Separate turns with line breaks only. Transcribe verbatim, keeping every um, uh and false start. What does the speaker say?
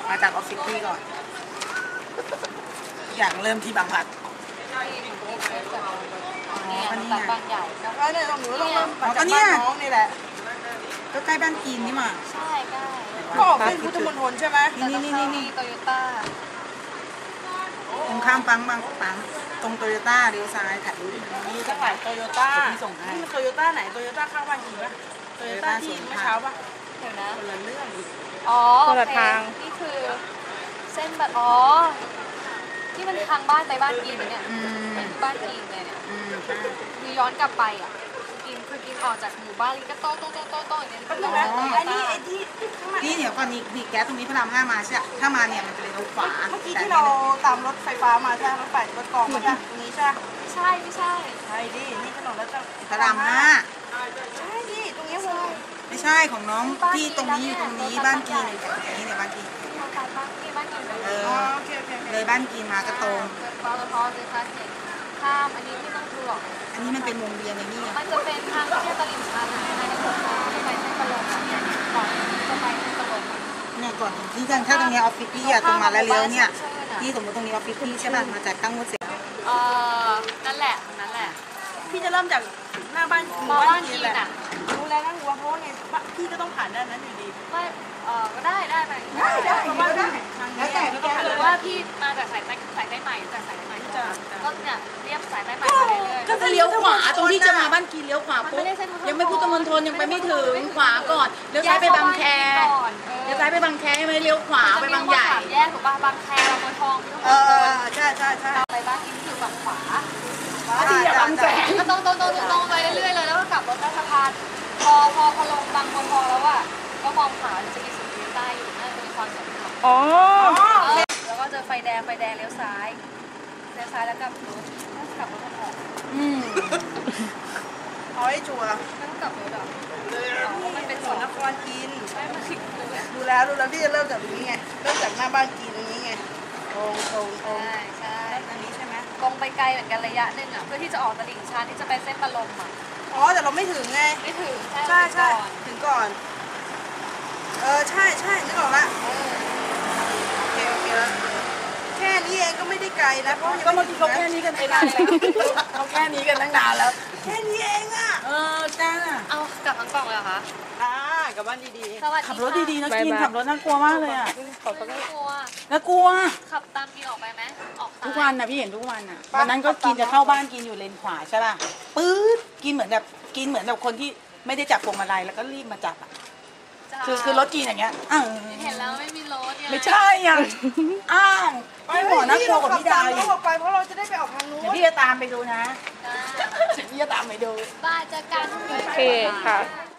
มาจากออฟฟิศพี่ก่อนอย่างเริ่มที่บางพลัด
อ๋อนี่บางใหญ่
แล้วก็เนี่ยตรงหนูต้องเริ่มมาจากบ้านน้องนี่แหละก็ใกล้บ้านกีนนี่มา
ใช่ใกล้
ก็ออกเส้นพุทธมณฑลใช่ไหม
นี่นี่นี่นี่โตโยต้า
ตรงข้ามปังบางปังตรงโตโยต้าเลี้ยวซ้ายถ่ายรูปมีตั้งหลายโตโยต้าที่ส่งให้นี่โตโยต้าไหนโตโยต้าข้างบ้านกีนปะโตโยต้าที่เมื่อเช้าปะ
เดี๋ยวนะ
คนละเรื่อง
อ๋อคนละทางนี่คือเส้นแบบอ๋อที่มันทางบ้านไปบ้านกีนเนี่ยบ้านกีนเลยเนี่ยคือย้อนกลับไปอ่ะกินคือกินออกจากหมู่บ้านลีก็โต้โต้โต้โต้โต้อย่างเงี้ยก็
เลยอันนี้ไอ้ที่นี่เดี๋ยวก่อนนี่นี่แก๊สตรงนี้พระรามห้ามาใช่ถ้ามาเนี่ยมันจะเลยเอาขวาเมื่อกี้ที่เราตามรถไฟฟ้ามาใช่รถไฟรถกองมาใช่ตรงนี้ใช่
ไม่ใช่ไม่ใช่
ใช่ดินี่ถนนแล้วจะพระรามห้าใช่ดิตรงนี้วงไม่ใช่ของน้องที่ตรงนี้อยู่ตรงนี้บ้านกีนอยู่ตรงนี้เนี่ยบ้านกีนเออเลยบ้านกีนมาก็ตรง
ปตทเลยค่ะเห็นข้ามอันนี้ที่ต้องดูหรอก
อันนี้มันเป็นวงเวียนในนี่
มันจะเป็นทางที่ตลิ่งชันในในหัวข้ามไปเส้นตะลงก่อนจะไปเส้นตะลง
เนี่ยก่อนที่จะถ้าตรงนี้ออฟฟิศพี่อะตรงมาแล้วเลี้ยวเนี่ยที่สมมติตรงนี้ออฟฟิศพี่ใช่ป่ะมาจากตั้งงดเสร็จ
เออนั่นแหละนั่นแหละ
พี่จะเริ่มจากหน้าบ้าน
มาบ้านกีนอ่ะ
รู้แล้วนั่งวัวเพราะว่าไงพี่ก็ต้องผ่านด้านนั้นอยู่ดี
ไม่เออก็ได้ได้ไป
ได้ได้ได้
แล้วแต่หรือว่าพี่มาจากสายใต้สายใต้ใหม่จากสายใต้ใหม่ก็เนี่ยเรียบสายใต้ใหม่ไปเรื่อย
ๆก็จะเลี้ยวขวาตรงที่จะมาบ้านกีนเลี้ยวขวาปุ๊บยังไม่พุทธมณฑลยังไปไม่ถึงขวาก่อนเลี้ยวซ้ายไปบางแคเลี้ยวซ้ายไปบางแคไม่เลี้ยวขวาไปบางใหญ่
แยกถูกป่ะบางแคบางบัวทอง
เออใช่ใช่ใช่
ไปบ้านกีนคือฝั่งขวา
ที่บางแสน
ก็ตรงตรงตรงตรงไปเรื่อยๆเลยแล้วก็กลับรถใต้สะพานพอพอพอลงบางบัวทองแล้วอ่ะก็มองขวาจะมีสุขุมวิทใต้อยู่น่าจะมีความสำคัญ
อ๋อ
แล้วก็เจอไฟแดงไฟแดงเลี้ยวซ้ายเลี้ยวซ้ายแล้วกลับรถกลับรถออก
อืมเอาให้ชัวร์
แล้วก็กลับรถอ่ะ
มันเป็นสวนนครกินดูแล้วดูแล้วพี่จะเริ่มจากตรงนี้ไงเริ่มจากหน้าบ้านกินตรงนี้ไงตรงตรงตรง
ใช่ใช่
อันนี้ใช่ไหม
ตรงไปไกลเหมือนกันระยะหนึ่งอ่ะเพื่อที่จะออกตลิ่งชันที่จะไปเส้นปะลมอ่ะ
อ๋อแต่เราไม่ถึงไง
ไม่ถึง
ใช่ใช่ถึงก่อนเออใช่ใช่นึกออกละโอเคโอเคแล้วแค่นี้เองก็ไม่ได้ไกลนะเพราะก็เมื่อกี้เขาแค่นี้กันไปนานแล้วเขาแค่นี้กันตั้งนานแล้วแค่นี้เองอ่ะเออจ้า
เอากลับทั้งกล่องเลยเหรอคะ
อ่ากลับบ้านดี
ๆ
ขับรถดีๆนะกินขับรถน่ากลัวมากเลยอ่ะ
น่ากลัว
น่ากลัว
ขับตามกินออกไปไหมออก
ทุกวันนะพี่เห็นทุกวันอ่ะวันนั้นก็กินจะเข้าบ้านกินอยู่เลนขวาใช่ป่ะปื๊ดกินเหมือนแบบกินเหมือนแบบคนที่ไม่ได้จับพวงมาลัยแล้วก็รีบมาจับอ่ะคือคือรถกินอย่างเงี้ยอ้าว
เห็นแล้วไม่มีรถ
ไม่ใช่ยังอ้าวพี่หมอน่ากลัวกว่าพี่ดาวอีกไปเพราะเราจะได้ไปออกทางนู้นเดี๋ยวพี่จะตามไปดูนะพี่จะตามไปดู
บ้านจะกัน
โอเคค่ะ